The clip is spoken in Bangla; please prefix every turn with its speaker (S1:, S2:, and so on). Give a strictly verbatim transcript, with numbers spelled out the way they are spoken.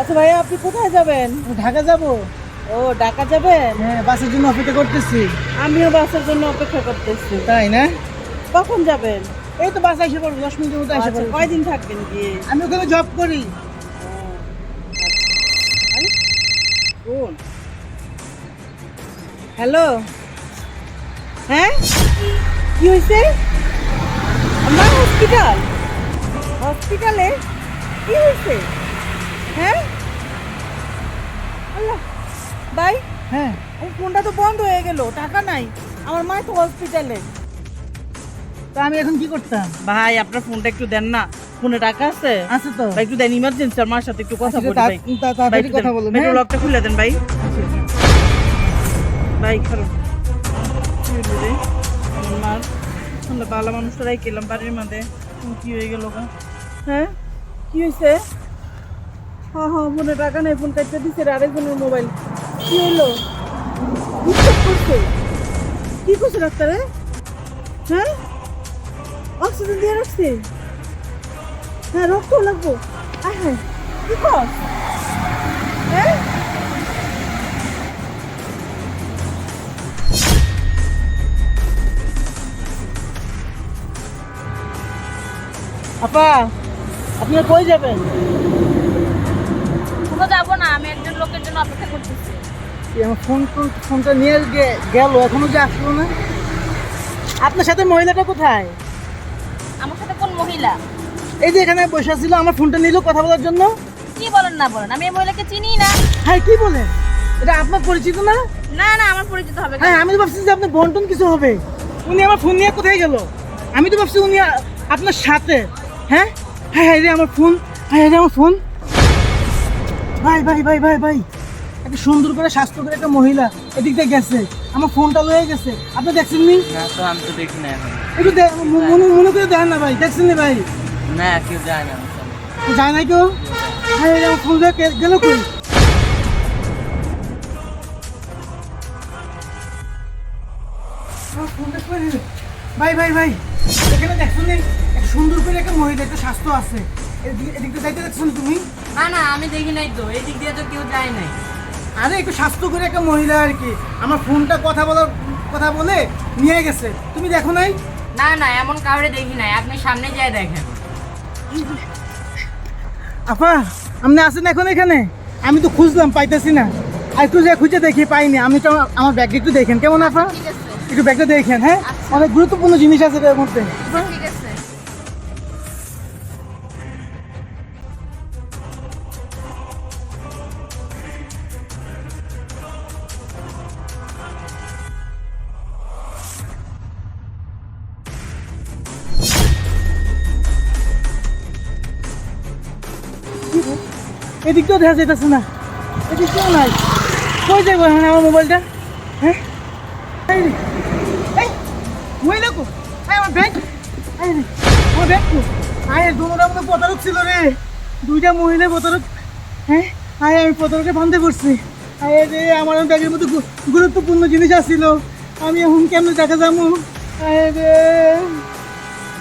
S1: আচ্ছা ভাইয়া, আপনি কোথায় যাবেন?
S2: ঢাকা যাব।
S1: ও, ঢাকা যাবেন?
S2: হ্যাঁ, বাসের জন্য অপেক্ষা করতেছি।
S1: আমিও বাসের জন্য অপেক্ষা করতেছি।
S2: তাই না?
S1: কখন যাবেন?
S2: এই তো বাস এসে পড়বো, দশ মিনিটের মতো এসে
S1: আচ্ছা,
S2: পড়বো।
S1: কয়দিন থাকবেন গিয়ে?
S2: আমি ওখানে জব করি।
S1: হ্যালো, হ্যাঁ, কি হয়েছে? আমার হসপিটাল হসপিটালে কি হয়েছে? হ্যাঁ, আল্লাহ, ভাই,
S2: হ্যাঁ,
S1: আমার ফোনটা তো বন্ধ হয়ে গেল, টাকা নাই। আমার মা তো হসপিটালে।
S2: তা আমি এখন কি করতাম?
S1: ভাই, আপনার ফোনটা একটু দেন না। ফোনে টাকা আছে?
S2: আছে তো।
S1: ভাই, একটু দেন, ইমার্জেন্সি, আমার মার সাথে একটু কথা
S2: আচ্ছা,
S1: বলি
S2: তা-
S1: ভাই।
S2: তা-
S1: ভাই,
S2: তাড়াতাড়ি
S1: একটু
S2: কথা
S1: দেন।
S2: বলুন,
S1: মেট্রো
S2: হ্যাঁ?
S1: লকটা খুলে দেন ভাই। ভাই, খারাপ কি হইলো রে? আমার মার আমরা বালা মানুষটারাই গেলাম বাড়ির মধ্যে, কি হয়ে গেল গা? হ্যাঁ, কি হয়েছে? হ্যাঁ হ্যাঁ, ফোনে টাকা নেই, ফোন কাটতে দিচ্ছে রে, আরেকজনের মোবাইল। কি হলো? ডিস্টার্ব করছে? কি করছে ডাক্তারে? হ্যাঁ, অক্সিজেন দিয়ে রাখছে? হ্যাঁ, রক্ত লাগবো। আয় হ্যাঁ, কি কর? হ্যাঁ, আপা, আপনারা কই যাবেন?
S3: কোথাও যাবো না, আমি একজন লোকের জন্য অপেক্ষা করতেছি।
S2: এই আমার ফোন ফোন- ফোনটা নিয়ে গে- গেল, এখনো যে আসলো না। আপনার সাথে মহিলাটা কোথায়?
S3: আমার সাথে কোন মহিলা?
S2: এই যে এখানে বসে ছিল, আমার ফোনটা নিল কথা বলার জন্য।
S3: কি বলেন না বলেন, আমি এই মহিলাকে চিনি না।
S2: হ্যাঁ, কি বলেন? এটা আপনার পরিচিত না?
S3: না না, আমার পরিচিত হবে কেন?
S2: হ্যাঁ, আমি তো ভাবছি যে আপনার বন্টন কিছু হবে। উনি আমার ফোন নিয়ে কোথায় গেল? আমি তো ভাবছি উনি আ- আপনার সাথে। হ্যাঁ হ্যাঁ হ্যাঁ, রে আমার ফোন। হ্যাঁ রে আমার ফোন। ভাই ভাই ভাই ভাই ভাই, একটা সুন্দর করে স্বাস্থ্য করে একটা মহিলা এদিক দিয়ে গেছে, আমার ফোনটা লয়ে গেছে। আপনি দেখছেন নি?
S4: না তো আমি তো দেখি না এখন।
S2: একটু দে- ম- মনে মনে করে দেখেন না ভাই, দেখছেন নি ভাই?
S4: না কেউ যায় না আমার সামনে।
S2: যায় নাই কেউ? হ্যাঁ, রে আমার ফোন লয়ে কে- গেল কই? আমার ফোনটা কই রে? ভাই ভাই ভাই, এখানে দেখছেন নি? একটা সুন্দর করে একটা মহিলা, একটা স্বাস্থ্য আছে, এদিকে এদিক দিয়ে যাইতে দেখছেন তুমি?
S3: না না, আমি দেখি নাই তো, এই দিক দিয়ে তো কেউ যায় নাই।
S2: আরে একটু স্বাস্থ্য করে একটা মহিলা আর কি, আমার ফোনটা কথা বলার কথা বলে নিয়ে গেছে, তুমি দেখো নাই?
S3: না না, এমন কাউরে দেখি নাই, আপনি সামনে যায় দেখেন।
S2: আপা, আপনি আছেন এখন এখানে? আমি তো খুঁজলাম, পাইতেছি না। আর একটু যে খুঁজে দেখি, পাইনি। আমি তো আমার ব্যাগটা একটু দেখেন কেমন আপা?
S3: ঠিক আছে,
S2: একটু ব্যাগটা দেখেন, হ্যাঁ?
S3: আচ্ছা।
S2: অনেক গুরুত্বপূর্ণ জিনিস আছে এর মধ্যে।
S3: ঠিক আছে।
S2: এদিকটাও দেখা যাইতেছে না, এদিকটাও নাই। কই যাবো এখন আমার মোবাইলটা? হ্যাঁ, এই রে, এই মহিলা কো? এই আমার ব্যাগ, এই রে আমার ব্যাগ কো? আয়, দুটোটার মধ্যে প্রতারক ছিল রে, দুইটা মহিলা প্রতারক। হ্যাঁ, আয় আমি প্রতারকে বান্ধে পড়ছি। আয় রে, আমার ব্যাগের মধ্যে গু- গুরুত্বপূর্ণ জিনিস আসছিল, আমি এখন কেমন টাকা যাবো? আয় রে।